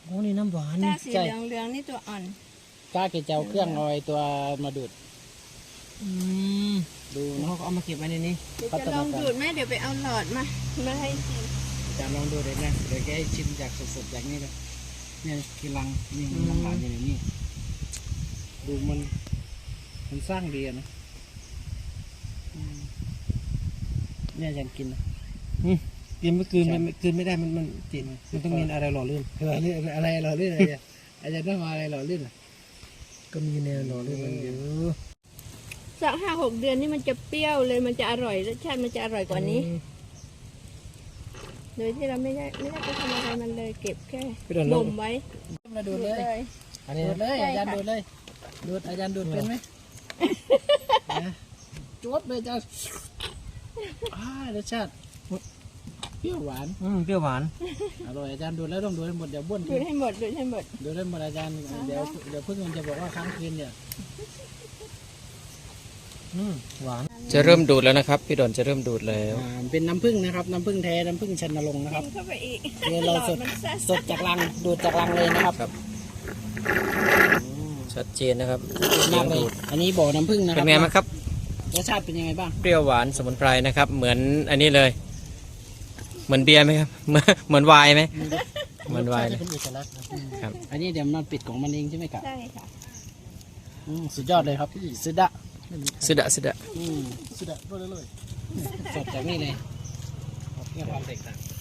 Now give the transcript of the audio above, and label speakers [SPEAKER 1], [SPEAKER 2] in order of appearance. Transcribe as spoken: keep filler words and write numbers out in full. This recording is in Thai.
[SPEAKER 1] โอ้นี่น้ำหวาน
[SPEAKER 2] ถ้า
[SPEAKER 1] นี่
[SPEAKER 2] สีเหลืองเหลืองนี่ตัวอ่อน
[SPEAKER 3] กล้าเกจะเอาเครื่องเอาไอ้ตัวมาดูด
[SPEAKER 1] อืม
[SPEAKER 3] ดู
[SPEAKER 1] แล้ว
[SPEAKER 3] นะ
[SPEAKER 1] เขาก็เอามาเก็บไว้ในนี้
[SPEAKER 2] เดี๋ยวจะลองดูดไหมเดี๋ยวไปเอาหลอดมามาให้ชิม
[SPEAKER 3] อาจารย์ลองดูเลยนะเดี๋ยวแกให้ชิมจากสดๆจากนี้เลยเนี่ยคือรังนี่มันรังหวานอยู่ในนี้ดูมันมันสร้างดีอะนะอืมเนี่ยอาจารย์กินนะ
[SPEAKER 1] กินไม่คืนมันคืนไม่ได้มันมันติดมันต้องมีอะไรหล่อลื่น
[SPEAKER 3] หล่อลื่นอะไรหล่อลื่นอะไรเนี่ยอาจารย์ต้องมาอะไรหล่อลื่นอ่ะ
[SPEAKER 1] ก็มีแนวหล่อลื่นมันเยอะ
[SPEAKER 2] สักห้าหกเดือนนี่มันจะเปรี้ยวเลยมันจะอร่อยรสชาติมันจะอร่อยกว่านี้ โดยที่เราไม่ได้ไม่ได้ไปทำอะไรมันเลยเก็บแค่บ่มไว้
[SPEAKER 3] มาดูดเลย
[SPEAKER 1] อันนี้
[SPEAKER 3] ดูดเลย
[SPEAKER 2] ใช่
[SPEAKER 3] อาจารย์
[SPEAKER 2] ค่ะ
[SPEAKER 3] ดูดเลยดูดอาจารย์ดูดเป็นไหมนะจวดเลยอาจารย์อ่ารสชาติเปรี้ยวหวาน
[SPEAKER 1] อืมเปรี้ยวหวาน
[SPEAKER 3] อร่อยอาจารย์ดูดแล้วต้องดูดให้หมดเดี๋ยวบ้วน
[SPEAKER 2] ดู
[SPEAKER 3] ทิ้
[SPEAKER 2] ด
[SPEAKER 3] ง
[SPEAKER 2] ให้หมดดูดให้หมด
[SPEAKER 3] ดูดให้หมดอาจารย์เดี๋ยวเดี๋ยวเพื่อนมันจะบอกว่าค้างคืนเนี่ย
[SPEAKER 1] อืมหวาน
[SPEAKER 4] จะเริ่มดูดแล้วนะครับพี่ดอนจะเริ่มดูดแล้ว
[SPEAKER 3] อ่าเป็นน้ำผึ้งนะครับน้ำผึ้งแท้น้ำผึ้งชันนรงค์นะครับ
[SPEAKER 2] กินเข้าไปอีก
[SPEAKER 3] เดี๋ยวเราสด
[SPEAKER 2] หลอมันซ่า
[SPEAKER 3] สดจากรังดูดจากรังเลยนะครับ
[SPEAKER 4] ครับ ชัดเจนนะครับ
[SPEAKER 3] มากเลยอันนี้บ่อน้ำผึ้งนะค
[SPEAKER 4] เป็
[SPEAKER 3] รั
[SPEAKER 4] นไงบ้างครับ
[SPEAKER 3] รสชาติเป็นยังไงบ้าง
[SPEAKER 4] เปรี้ยวหวานสมุนไพรนะครับ เหมือนอันนี้เลย เหมือนเบียร์ไหมครับ เหมือนเหมือนไวน์ไหมเหมือนไวน์เลย
[SPEAKER 1] เป็นเอกลักษณ์นะครับ
[SPEAKER 3] อันนี้เดี๋ยวมันปิดของมันเองใช่ไหมครับ
[SPEAKER 2] ใช่ค่ะ
[SPEAKER 3] อืมสุดยอดเลยครับสุดอะ
[SPEAKER 4] สุดะสุดะ
[SPEAKER 3] อืม
[SPEAKER 1] สุดยอดเลย
[SPEAKER 3] สดจากนี่เลยเนี่ยความแตกต่าง